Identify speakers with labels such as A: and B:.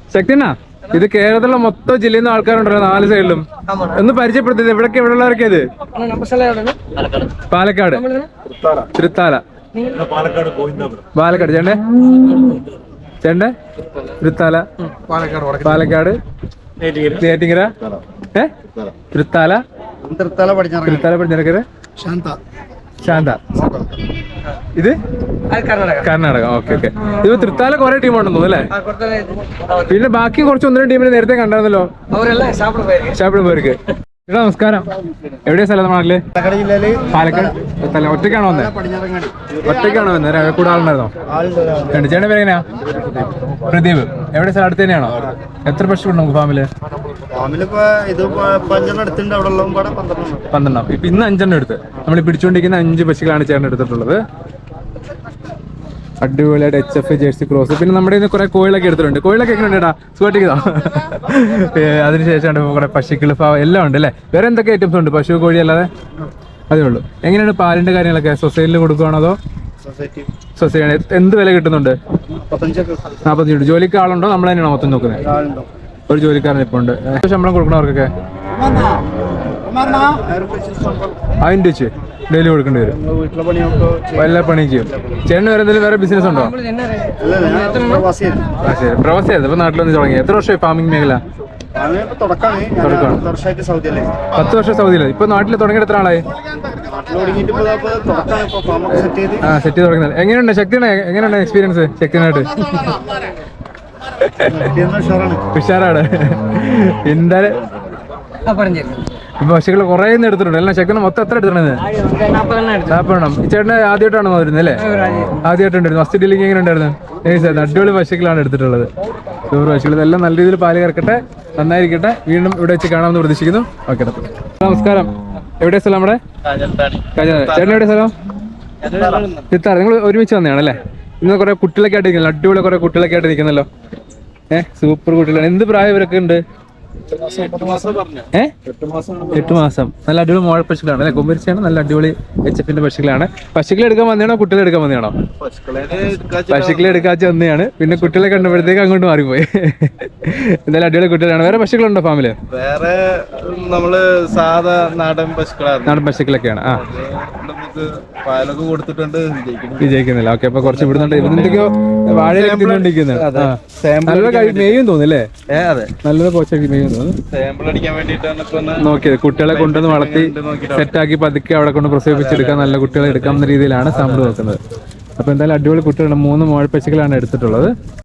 A: ശക്തിനാ ഇത് കേരളത്തിലെ മൊത്തം ജില്ലയിൽ നിന്ന് ആൾക്കാരുണ്ടല്ലോ 4 സൈഡിലും. ഒന്ന് പരിചയപ്പെടുത്തിയത് എവിടൊക്കെ എവിടെയുള്ളവരൊക്കെ ഇത്? പാലക്കാട്, തൃത്താല, പാലക്കാട് ചേണ്ടേ ചേണ്ടേ തൃത്താല, പാലക്കാട്, നെയ്യാറ്റിൻകര, തൃത്താല, തൃത്താല പടിഞ്ഞാറക്കര, ശാന്ത. ഇത് കർണാടക. Okay okay. ഇത് തൃത്താല കുറെ ടീമുണ്ടെന്ന് തോന്നുന്നു അല്ലേ? പിന്നെ ബാക്കി കുറച്ച് 1-2 ടീമിനെ നേരത്തെ കണ്ടായിരുന്നല്ലോ. ഷാപ്പിടും പേർക്ക്. ചേട്ടാ നമസ്കാരം. എവിടെയാ സ്ഥലം നാട്ടില്? പാലക്കാട്. ഒറ്റയ്ക്കാണോ വന്നത്? ഒറ്റയ്ക്കാണോ വന്നത്? കൂടെ ആളുണ്ടായിരുന്നോ? ചേട്ടൻ്റെ പേരെങ്ങനെയാ? പ്രദീപ്. എവിടെ സ്ഥലം? അടുത്ത് തന്നെയാണോ? എത്ര പശുക്കളുണ്ട് നമുക്ക് ഫാമില്? 12. ഇപ്പൊ ഇന്ന് 5 എടുത്ത് നമ്മൾ പിടിച്ചുകൊണ്ടിരിക്കുന്ന 5 പശുക്കളാണ് ചേട്ടൻ എടുത്തിട്ടുള്ളത്. അടിപൊളിയായിട്ട് HF ജേഴ്സി ക്രോസ്. പിന്നെ നമ്മുടെ ഇന്ന് കുറെ കോഴിലൊക്കെ എടുത്തിട്ടുണ്ട്. കോഴിലൊക്കെ എങ്ങനെ ഉണ്ടേടാ? സുഖമായിട്ടിരിക്കുന്നോ? അതിനുശേഷം കുറെ പശുക്കൾ എല്ലാം ഉണ്ട് അല്ലേ? വേറെ എന്തൊക്കെ ഐറ്റംസ് ഉണ്ട് പശു കോഴി അല്ലാതെ? അതേ ഉള്ളൂ. എങ്ങനെയാണ് പാലിന്റെ കാര്യങ്ങളൊക്കെ? സൊസൈറ്റിയിൽ കൊടുക്കുകയാണോ അതോ സൊസൈറ്റി? എന്ത് വില കിട്ടുന്നുണ്ട്? 45. ജോലിക്ക് ആളുണ്ടോ? നമ്മൾ തന്നെയാണോ മൊത്തം നോക്കുന്നത്? ഒരു ജോലിക്കാരൻ ഇപ്പോൾ ഉണ്ട്. ശമ്പളം കൊടുക്കണവർക്കൊക്കെ 1000 വെച്ച് ഡെയിലി കൊടുക്കേണ്ടി വരും. എല്ലാ പണിയും ചെയ്യും. ചേട്ടന് വേറെ എന്തെങ്കിലും വേറെ ബിസിനസ് ഉണ്ടോ? ശരി. പ്രവാസിയായിരുന്നു. ഇപ്പൊ നാട്ടിൽ വന്ന് തുടങ്ങി. എത്ര വർഷമായി ഫാമിംഗ് മേഖല? 10 വർഷം സൗദിയില്. ഇപ്പൊ നാട്ടിൽ തുടങ്ങിയിട്ട് എത്ര ആളായി? സെറ്റ് ചെയ്ത് തുടങ്ങുന്നത്. എങ്ങനെയുണ്ട് ശക്തിയുടെ? എങ്ങനെയുണ്ട് എക്സ്പീരിയൻസ് ശക്തിനായിട്ട്? ഉഷാറാണ്. എന്തായാലും പശുക്കള് കുറെ എടുത്തിട്ടുണ്ട്. എല്ലാം ശക്തി മൊത്തം എത്ര എടുത്തിട്ടുണ്ട്? 40. ഈ ചേട്ടന് ആദ്യമായിട്ടാണ് വരുന്നത് അല്ലേ? ആദ്യമായിട്ടുണ്ടായിരുന്നു. ഫസ്റ്റ് ഡീലിംഗ് എങ്ങനെ ഉണ്ടായിരുന്നു? അടിപൊളി പശുക്കളാണ് എടുത്തിട്ടുള്ളത്. സൂപ്പർ പശുക്കൾ. ഇതെല്ലാം നല്ല രീതിയിൽ പാല് കറക്കട്ടെ, നന്നായിരിക്കട്ടെ. വീണ്ടും ഇവിടെ വെച്ച് കാണാമെന്ന് പ്രതീക്ഷിക്കുന്നു. ഓക്കെ. നമസ്കാരം. എവിടെയാ സ്ഥലം? നമ്മുടെ ചേട്ടൻ എവിടെയാ സ്ഥലം? ചിത്താറ. നിങ്ങൾ ഒരുമിച്ച് വന്നതാണല്ലേ? ഇന്ന് കുറെ കുട്ടികളൊക്കെ ആയിട്ട് നിൽക്കുന്നത്. അടിപൊളി കുറെ കുട്ടികളൊക്കെ ആയിട്ട് നിൽക്കുന്നല്ലോ. സൂപ്പർ കുട്ടികളാണ്. എന്ത് പ്രായം ഇവരൊക്കെ ഉണ്ട്? 8 മാസം. നല്ല അടിപൊളി മോഴ പശുക്കളാണ് അല്ലെ? കൊമ്പരിച്ചാണ്. നല്ല അടിപൊളി HFന്റെ പശുക്കളാണ്. പശുക്കളെ എടുക്കാൻ വന്നതാണോ കുട്ടികളെ എടുക്കാൻ വന്നതാണോ? പശുക്കളെ എടുക്കാച്ച വന്നതാണ്. പിന്നെ കുട്ടികളെ കണ്ടപ്പോഴത്തേക്ക് അങ്ങോട്ട് മാറിപ്പോയി. എന്തായാലും അടിപൊളി കുട്ടികളാണ്. വേറെ പശുക്കളുണ്ടോ ഫാമില്?
B: വേറെ നമ്മള് സാധാ നാടൻ പശുക്കളാണ്.
A: നാടൻ പശുക്കളൊക്കെയാണ്.
B: പാലൊക്കെ കൊടുത്തിട്ടുണ്ട്.
A: വിജയിക്കുന്നില്ല. ഓക്കെ. അപ്പൊ കുറച്ച് വിടുന്നുണ്ട്. എന്തൊക്കെയോ വാഴയിലൊക്കെ തിന്നോണ്ടിരിക്കുന്നത്. മെയ്യും തോന്നുന്നല്ലേ? നല്ലത് പോച്ചൊക്കെ മെയ്യും തോന്നുന്നു. നോക്കിയത് കുട്ടികളെ കൊണ്ടുവന്ന് വളർത്തി സെറ്റാക്കി പതുക്കെ അവിടെ കൊണ്ട് പ്രസവിപ്പിച്ചെടുക്കാൻ നല്ല കുട്ടികളെ എടുക്കാവുന്ന രീതിയിലാണ് സാമ്പിൾ നോക്കുന്നത്. അപ്പൊ എന്തായാലും അടിപൊളി കുട്ടികളുടെ 3 മോഴപ്പശുക്കളാണ് എടുത്തിട്ടുള്ളത്.